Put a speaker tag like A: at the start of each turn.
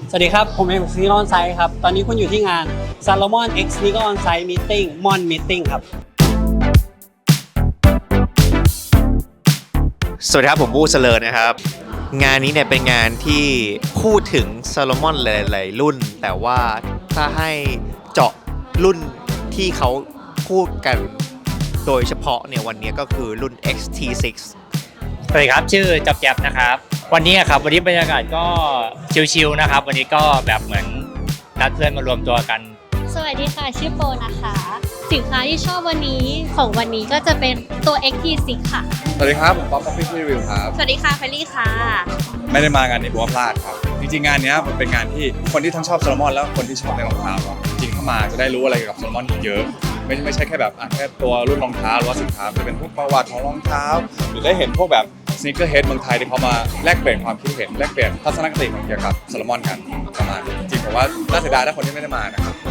A: สวัสดีครับผมเอกซีนอนไซต์ครับตอนนี้คุณอยู่ที่งาน Salomon X Sneaker On Site Meeting Mon Meeting ครับ
B: สวัสดีครับผมบู้เสลิร์นะครับงานนี้เนี่ยเป็นงานที่พูดถึงซาโลมอนหลายๆรุ่นแต่ว่าถ้าให้เจาะรุ่นที่เขาพูดกันโดยเฉพาะเนี่ยวันนี้ก็คือรุ่น XT6
C: สวัสดีครับชื่อจับแจ๊บนะครับวันนี้ครับวันนี้บรรยากาศก็ชิลๆนะครับวันนี้ก็แบบเหมือนนัดเพื่อนมารวมตัวกัน
D: สวัสดีค่ะชื่อโปนะคะ สินค้าที่ชอบวันนี้ของวันนี้ก็จะเป็นตัว XT6 ค่ะ
E: สวัสดีครับผมป๊อปปี้รีวิวครับ
D: สวัสดีค่ะเฟลลี่ค่ะ
E: ไม่ได้มางานนี้ผมว่าพลาดครับจริงๆงานนี้มันเป็นงานที่คนที่ทั้งชอบโซโลมอนแล้วคนที่ชอบในรองเท้าจริงเข้ามาจะได้รู้อะไรเกี่ยวกับโซโลมอนเยอะไม่ใช่แค่แบบแค่ตัวรุ่นรองเท้าหรือว่าสินค้าจะเป็นพวกประวัติของรองเท้าหรือได้เห็นพวกแบบสนีกเกอร์เฮดเมืองไทยที่เขามาแลกเปลี่ยนความคิดเห็นแลกเปลี่ยนทัศนคติเกี่ยวกับโซโลมอนกันประมาณจริงๆผมว่าน่าเสียดายถ้าคนที่ไม่ได้มานะครับ